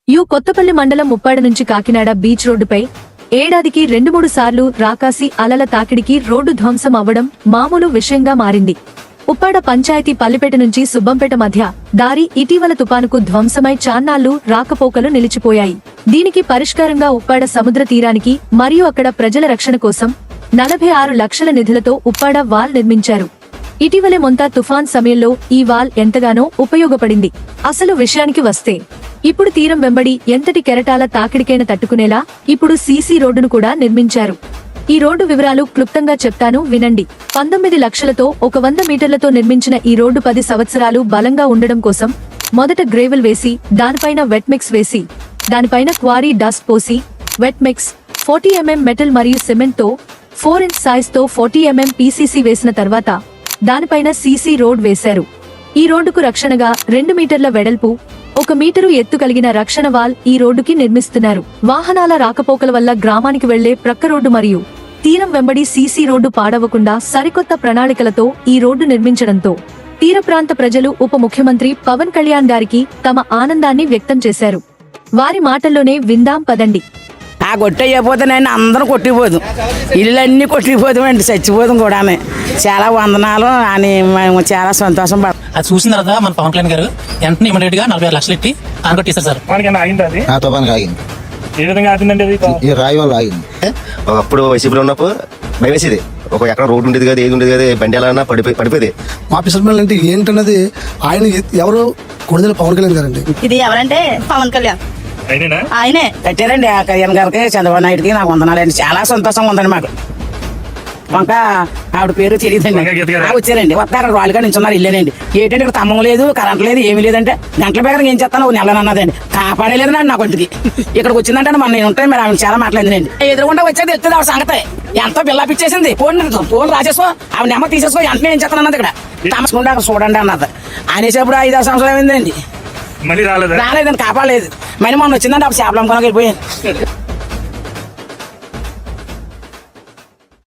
కొత్తపల్లి మండలం ముప్పాడ నుంచి కాకినాడ బీచ్ రోడ్డుపై ఏడాదికి 2-3 సార్లు రాకాసి అలల తాకిడికి రోడ్డు ధ్వంసం అవ్వడం మామూలు విషయంగా మారింది. ఉప్పాడ పంచాయతీ పల్లిపేట నుంచి సుబ్బంపేట మధ్య దారి ఇటీవల తుపానుకు ధ్వంసమై చాన్నాళ్లు రాకపోకలు నిలిచిపోయాయి. దీనికి పరిష్కారంగా ఉప్పాడ సముద్ర తీరానికి మరియు అక్కడ ప్రజల రక్షణ కోసం 46 లక్షల నిధులతో ఉప్పాడ వాల్ నిర్మించారు. ఇటీవలే మొంతా తుఫాన్ సమయంలో ఈ వాల్ ఎంతగానో ఉపయోగపడింది. అసలు విషయానికి వస్తే ఇప్పుడు తీరం వెంబడి ఎంతటి కెరటాల తాకిడికైనా తట్టుకునేలా ఇప్పుడు సీసీ రోడ్డును కూడా నిర్మించారు. ఈ రోడ్డు వివరాలు క్లుప్తంగా చెప్తాను వినండి. 19 లక్షలతో 100 మీటర్లతో నిర్మించిన ఈ రోడ్డు 10 సంవత్సరాలు బలంగా ఉండడం కోసం మొదట గ్రేవెల్ వేసి దానిపైన వెట్ మిక్స్ వేసి దానిపైన క్వారీ డస్ట్ పోసి వెట్ మిక్స్ 40 mm మెటల్ మరియు సిమెంట్ తో 4 ఇంచ్ సైజ్ తో 40 mm పీసీసీ వేసిన తర్వాత దానిపైన సీసీ రోడ్ వేశారు. ఈ రోడ్డుకు రక్షణగా 2 మీటర్ల వెడల్పు 1 మీటరు ఎత్తు కలిగిన రక్షణ వాల్ ఈ రోడ్డుకి నిర్మిస్తున్నారు. వాహనాల రాకపోకల వల్ల గ్రామానికి వెళ్లే ప్రక్క రోడ్డు మరియు తీరం వెంబడి సీసీ రోడ్డు పాడవకుండా సరికొత్త ప్రణాళికలతో ఈ రోడ్డు నిర్మించడంతో తీర ప్రాంత ప్రజలు ఉప ముఖ్యమంత్రి పవన్ కళ్యాణ్ గారికి తమ ఆనందాన్ని వ్యక్తం చేశారు. వారి మాటల్లోనే విందాం పదండి. ఆ కొట్టయిపోతే నేను అందరూ కొట్టిపోదు, ఇళ్ళన్నీ కొట్టిపోతామండి, చచ్చిపోతాం కూడా. చాలా వందనాలు అని మేము చాలా సంతోషం పడతాం. అది చూసిన తర్వాత మన పవన్ కళ్యాణ్ గారు వెంటనే ఇమీడియట్ గా 46 లక్షలు ఎట్టి ఆనకొట్టేశారు సార్. ఏ విధంగా ఆగిందండి? అది రాయి వల్ల ఆగింది. అప్పుడు వైసీపీలో ఉన్నప్పుడు భయం వేసేది. ఒక ఎక్కడ రోడ్డు ఉండేది కదా, ఏది ఉండేది కదా, బండి ఎలా పడిపోయేది. మా పిసల్ అంటే ఏంటన్నది ఆయన ఎవరు కొడుదల పవన్ కళ్యాణ్ గారండి. ఇది ఎవరంటే పవన్ కళ్యాణ్ ఆయనే కట్టారండి. ఆ కళ్యాణ్ గారికి చంద్రబాబు నాయుడుకి నాకు వందనాలండి. చాలా సంతోషంగా ఉందండి మాకు. వంక ఆవిడ పేరు తెలియదండి. వచ్చారండి, వస్తారు వాళ్ళుగా నించున్నారు. ఇల్లేనండి. ఏంటంటే ఇక్కడ తమ్మం లేదు, కరెంట్ లేదు, ఏమీ లేదంటే గంటల బేగరం ఏం చేస్తాను నెలనన్నదండి. కాపాడలేదు నా కొంటికి. ఇక్కడికి వచ్చిందంటే మన నేను ఉంటాయి. మరి ఆమె చాలా మాట్లాడిందండి. ఎదురుకుండా వచ్చేది తెలుస్తుంది ఆవిడ సంగతి. ఎంతో బిల్లాపిచ్చేసింది. ఫోన్ రాసేసుకో, ఆవిడ నెమ్మ తీసేసుకో, వెంటనే ఏం చేస్తాను అన్నది. ఇక్కడ తమసుకుంటే అక్కడ చూడండి అన్నది. అనేసేప్పుడు 5-6 సంవత్సరాలు అయిందండి. రాలేదండి, కాపాడలేదు. మరి మొన్న వచ్చిందంటే అప్పుడు చేపలు అమ్ముకోవడానికి వెళ్ళిపోయాను.